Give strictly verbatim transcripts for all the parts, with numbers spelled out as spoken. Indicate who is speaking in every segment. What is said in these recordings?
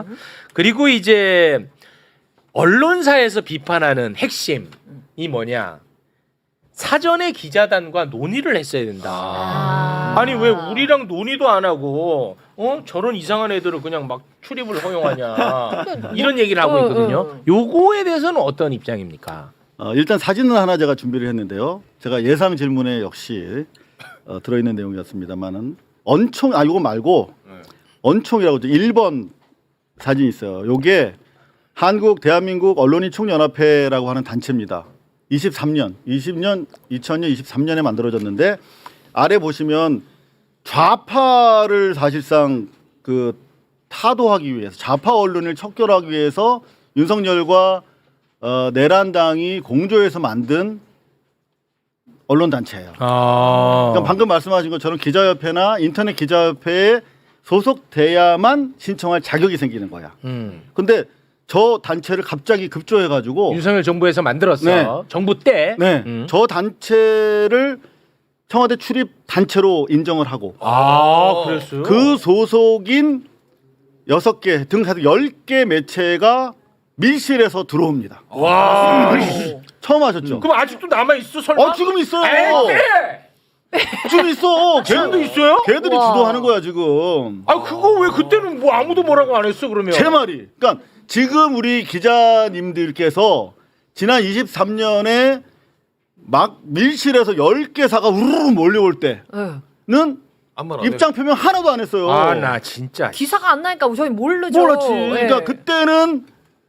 Speaker 1: 그리고 이제 언론사에서 비판하는 핵심이 뭐냐? 사전에 기자단과 논의를 했어야 된다.
Speaker 2: 아.
Speaker 1: 아니 왜 우리랑 논의도 안 하고 어 저런 이상한 애들을 그냥 막 출입을 허용하냐 이런 얘기를 하고 있거든요. 요거에 대해서는 어떤 입장입니까?
Speaker 3: 어, 일단 사진은 하나 제가 준비를 했는데요. 제가 예상 질문에 역시 어, 들어있는 내용이었습니다만은 언총 아 이거 말고 언총이라고 일 번 사진이 있어요. 요게 한국 대한민국 언론인 총연합회라고 하는 단체입니다. 이십삼 년, 이십 년, 이천 년, 이십삼 년에 만들어졌는데 아래 보시면 좌파를 사실상 그 타도하기 위해서 좌파 언론을 척결하기 위해서 윤석열과 어, 내란당이 공조해서 만든 언론 단체예요.
Speaker 1: 아.
Speaker 3: 그러니까 방금 말씀하신 것처럼 기자협회나 인터넷 기자협회에 소속돼야만 신청할 자격이 생기는 거야.
Speaker 1: 음.
Speaker 3: 근데 저 단체를 갑자기 급조해가지고
Speaker 1: 윤석열 정부에서 만들었어.
Speaker 3: 네.
Speaker 1: 정부 때.
Speaker 3: 네,
Speaker 1: 음.
Speaker 3: 저 단체를 청와대 출입 단체로 인정을 하고
Speaker 1: 아, 그랬어요?
Speaker 3: 그 소속인 여섯 개 등 해서 열 개 매체가 밀실에서 들어옵니다.
Speaker 1: 와.
Speaker 3: 처음 하셨죠?
Speaker 1: 그럼 아직도 남아 있어 설마?
Speaker 3: 어 지금 있어요.
Speaker 1: 에이,
Speaker 3: 지금 있어.
Speaker 1: 지금도
Speaker 3: 걔-
Speaker 1: 있어요?
Speaker 3: 걔들이
Speaker 2: 와.
Speaker 3: 주도하는 거야 지금.
Speaker 1: 아 그거 왜 그때는 뭐 아무도 뭐라고 안 했어 그러면?
Speaker 3: 제 말이. 그러니까 지금 우리 기자님들께서 지난 이십삼 년에 막 밀실에서 열 개 사가 우르르 몰려올 때는 입장 표명 하나도 안 했어요.
Speaker 1: 아 나 진짜.
Speaker 2: 기사가 안 나니까 저희 모르죠.
Speaker 3: 몰랐지.
Speaker 2: 예.
Speaker 3: 그러니까 그때는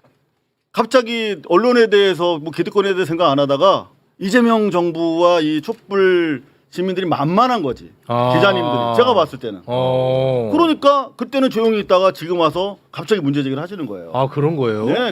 Speaker 3: 갑자기 언론에 대해서 뭐 기득권에 대해 생각 안 하다가 이재명 정부와 이 촛불 시민들이 만만한 거지.
Speaker 1: 아.
Speaker 3: 기자님들이 제가 봤을 때는.
Speaker 1: 어.
Speaker 3: 그러니까 그때는 조용히 있다가 지금 와서 갑자기 문제 제기를 하시는 거예요.
Speaker 1: 아 그런 거예요?
Speaker 3: 네.